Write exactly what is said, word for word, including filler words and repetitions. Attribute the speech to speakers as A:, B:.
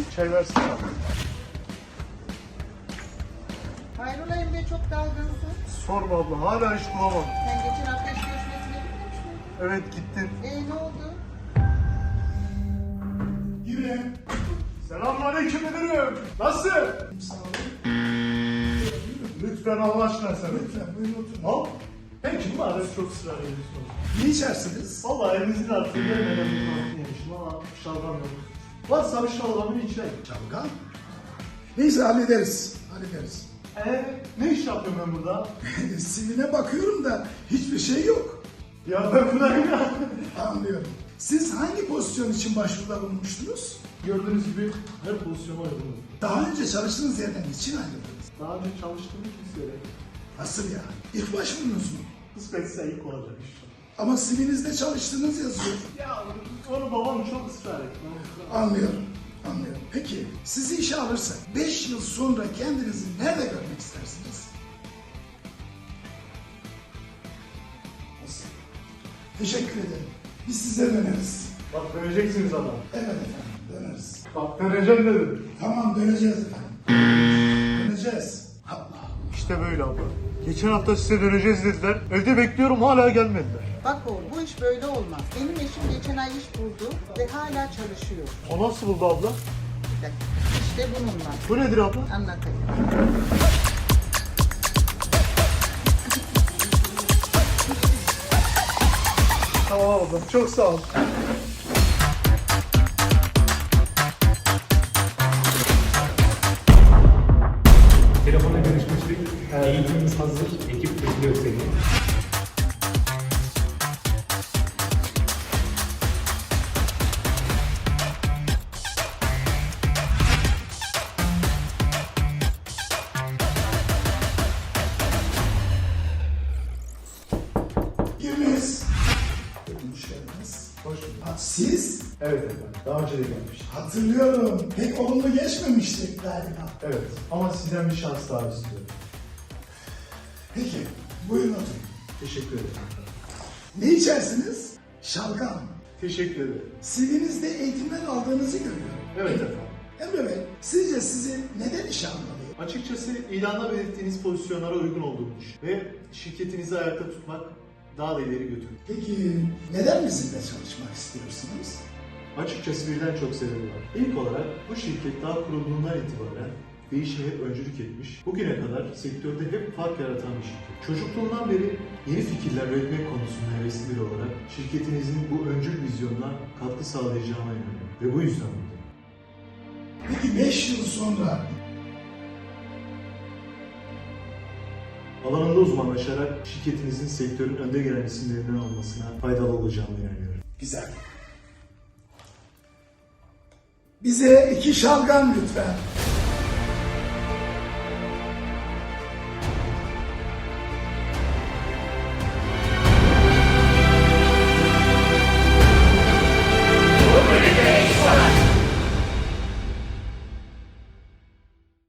A: Buyurun.
B: Çay versene.
A: Hayrola Emre, çok dalgınsın.
B: Sorma abla, hala iş bulamadım.
A: Sen geçen hafta iş görüşmesine gitmemiş miydin?
B: Evet, gittin.
A: Ee ne oldu?
B: Yine. Selamünaleyküm müdürüm. Nasılsın?
C: Sağ olun.
B: Lütfen Allah aşkına sen.
C: Lütfen buyurun oturun.
B: Al. Peki bu arada çok ısrar ediyorsunuz.
C: Ne içersiniz?
B: Vallahi evinizin artığı gelmeden bir tatlı yemişim ama şalgam yok. Varsa bir şalgamın içine.
C: Çalgan. Neyse hallederiz. Hallederiz.
B: Eee ne iş yapıyorum ben burada?
C: C V'ne bakıyorum da hiçbir şey yok.
B: Ya ben buradayım ya.
C: Anlıyorum. Siz hangi pozisyon için başvuruda bulunmuştunuz?
B: Gördüğünüz gibi her pozisyona uygunum.
C: Daha önce çalıştığınız yerden için ayrıldınız.
B: Daha önce çalıştığım kimseyle
C: Nasıl ya? İlk başvurunuz mu?
B: kısmetse ilk olacak iş.
C: Ama C V'nizde çalıştığınız yazıyor.
B: Ya onu babam çok ısrar etti.
C: Anlıyorum. Anlıyorum. Peki sizi işe alırsak beş yıl sonra kendinizi nerede görmek istersiniz? Nasıl? Teşekkür ederim. Biz size döneriz.
B: Bak döneceksiniz adam.
C: Evet efendim döneriz.
B: Bak döneceğim dedim.
C: Tamam döneceğiz efendim. Döneceğiz. Allah.
B: İşte böyle abla. Geçen hafta size döneceğiz dediler. Evde bekliyorum, hala gelmediler.
A: Bak oğlum, bu iş böyle olmaz. Benim eşim geçen ay iş buldu ve hala çalışıyor.
B: O nasıl buldu abla?
A: Bir dakika. İşte bununla.
B: Bu nedir abla?
A: Anlatayım.
B: Tamam abla, çok sağ ol.
D: Telefonla görüşmüştük. Eğitimimiz hazır. Ekip bekliyor seni.
C: Giriniz. Hoş geldiniz.
B: Hoş bulduk.
C: Ha, siz?
B: Evet efendim, daha önce de gelmiştim.
C: Hatırlıyorum. Pek olumlu geçmemiştik galiba.
B: Evet, ama sizden bir şans daha istiyorum.
C: Peki buyurun oturun.
B: Teşekkür ederim.
C: Ne içersiniz? Şalgam.
B: Teşekkür ederim.
C: C V'nizde eğitimden aldığınızı görüyorum.
B: Evet efendim.
C: Emre Bey, sizce sizi neden işe almalıyım?
B: Açıkçası ilanda belirttiğiniz pozisyonlara uygun olduğumuz ve şirketinizi ayakta tutmak daha da ileri götürür.
C: Peki neden bizimle çalışmak istiyorsunuz?
B: Açıkçası birden çok sebebi var. İlk olarak bu şirket daha kurulduğundan itibaren değişime hep öncülük etmiş. Bugüne kadar sektörde hep fark yaratan bir şirket. Çocukluğundan beri yeni fikirler üretmek konusunda hevesli biri olarak şirketinizin bu öncül vizyonuna katkı sağlayacağına inanıyorum. Ve bu yüzden buradayım.
C: Peki beş yıl sonra
B: Alanında uzmanlaşarak şirketinizin sektörün önde gelen isimlerinden olmasına faydalı olacağına inanıyorum.
C: güzel. Bize iki şalgam lütfen.